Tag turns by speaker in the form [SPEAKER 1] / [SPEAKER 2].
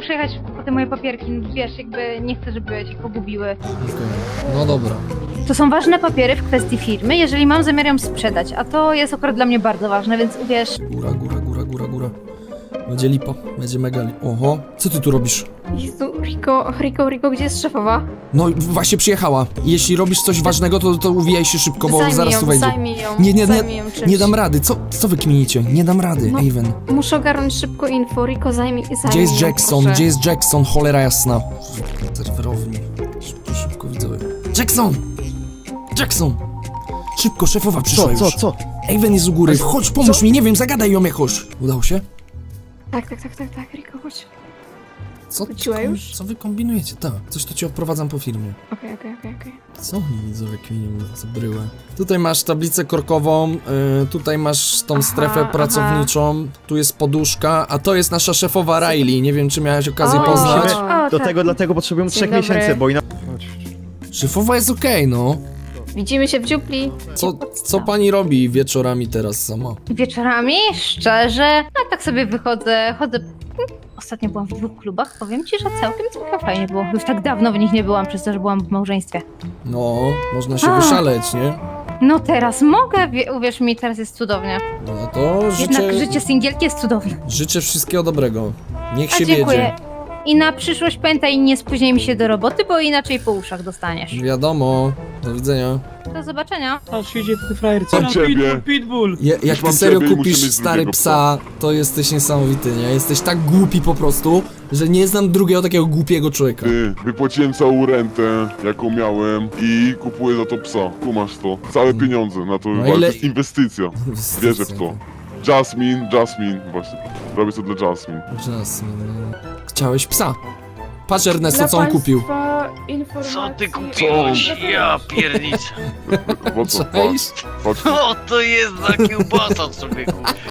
[SPEAKER 1] muszę jechać po te moje papierki, wiesz, jakby nie chcę, żeby się pogubiły.
[SPEAKER 2] Okej. No dobra.
[SPEAKER 1] To są ważne papiery w kwestii firmy, jeżeli mam zamiar ją sprzedać, a to jest akurat dla mnie bardzo ważne, więc uwierz...
[SPEAKER 2] Góra. Będzie lipa, będzie mega lipa. Oho, co ty tu robisz?
[SPEAKER 3] Jezu, Riko, gdzie jest szefowa?
[SPEAKER 2] No właśnie przyjechała. Jeśli robisz coś ważnego, to uwijaj się szybko, bo zaraz tu wejdzie.
[SPEAKER 3] Zajmij ją czymś.
[SPEAKER 2] Nie dam rady. Co wy kminicie? Nie dam rady,
[SPEAKER 3] No.
[SPEAKER 2] Aven.
[SPEAKER 3] Muszę ogarnąć szybko info, Riko, zajmij
[SPEAKER 2] Gdzie jest
[SPEAKER 3] ją,
[SPEAKER 2] Jackson?
[SPEAKER 3] proszę.
[SPEAKER 2] Gdzie jest Jackson? Cholera jasna. Serwerowni. Szybko widzowie. Jackson! Szybko, szefowa przyszła już.
[SPEAKER 4] Co?
[SPEAKER 2] Aven jest u góry. Chodź, pomóż mi, nie wiem, zagadaj ją jakoś. Udało się?
[SPEAKER 3] Tak, Riko, chodź.
[SPEAKER 2] Co,
[SPEAKER 3] już?
[SPEAKER 2] co wy kombinujecie? Tak, coś to ci odprowadzam po firmie.
[SPEAKER 3] Okej.
[SPEAKER 2] Co oni widzowie kminią za bryłę? Tutaj masz tablicę korkową, tutaj masz tą strefę pracowniczą, tu jest poduszka, a to jest nasza szefowa Riley. Nie wiem, czy miałeś okazję
[SPEAKER 3] O,
[SPEAKER 2] poznać.
[SPEAKER 3] o,
[SPEAKER 4] Do
[SPEAKER 3] tak.
[SPEAKER 4] tego, dlatego potrzebujemy
[SPEAKER 3] Dzień
[SPEAKER 4] 3
[SPEAKER 3] dobry.
[SPEAKER 4] miesięcy, bo inaczej...
[SPEAKER 2] Szefowa jest okej, no.
[SPEAKER 3] Widzimy się w dziupli.
[SPEAKER 2] Co pani robi wieczorami teraz sama?
[SPEAKER 1] Wieczorami, szczerze, no tak sobie chodzę. Ostatnio byłam w 2 klubach, powiem ci, że całkiem fajnie było. Już tak dawno w nich nie byłam, przez to, że byłam w małżeństwie.
[SPEAKER 2] No, można się wyszaleć, nie?
[SPEAKER 1] No teraz mogę, uwierz mi, teraz jest cudownie.
[SPEAKER 2] No to
[SPEAKER 1] Jednak życie singielki jest cudowne.
[SPEAKER 2] życzę wszystkiego dobrego. Niech
[SPEAKER 1] A
[SPEAKER 2] się
[SPEAKER 1] dziękuję.
[SPEAKER 2] wiedzie.
[SPEAKER 1] I na przyszłość pamiętaj, nie spóźnij mi się do roboty, bo inaczej po uszach dostaniesz.
[SPEAKER 2] Wiadomo. Do widzenia.
[SPEAKER 1] Do zobaczenia.
[SPEAKER 5] Patrz, idzie ten frajer, co?
[SPEAKER 6] Mam ciebie.
[SPEAKER 5] Pitbull!
[SPEAKER 2] Jak ty
[SPEAKER 6] mam
[SPEAKER 2] serio
[SPEAKER 6] ciebie i muszę
[SPEAKER 2] kupisz
[SPEAKER 6] mieć
[SPEAKER 2] stary
[SPEAKER 6] drugiego
[SPEAKER 2] psa, to jesteś niesamowity, nie? Jesteś tak głupi po prostu, że nie znam drugiego takiego głupiego człowieka.
[SPEAKER 6] Ty, wypłaciłem całą rentę, jaką miałem i kupuję za to psa. Kumasz to. Całe pieniądze na to,
[SPEAKER 2] No
[SPEAKER 6] ale
[SPEAKER 2] ile-
[SPEAKER 6] to jest inwestycja. Wierzę w to. Jasmine, właśnie. Robię to dla Jasmine.
[SPEAKER 2] Jasne, no. Chciałeś psa. Patrz Ernesto, co on kupił.
[SPEAKER 7] Co ty kupiłeś? Ja pierniczę.
[SPEAKER 6] Po co?
[SPEAKER 2] Cześć.
[SPEAKER 6] Patrz,
[SPEAKER 7] Co to jest za kiełbasa, człowieku?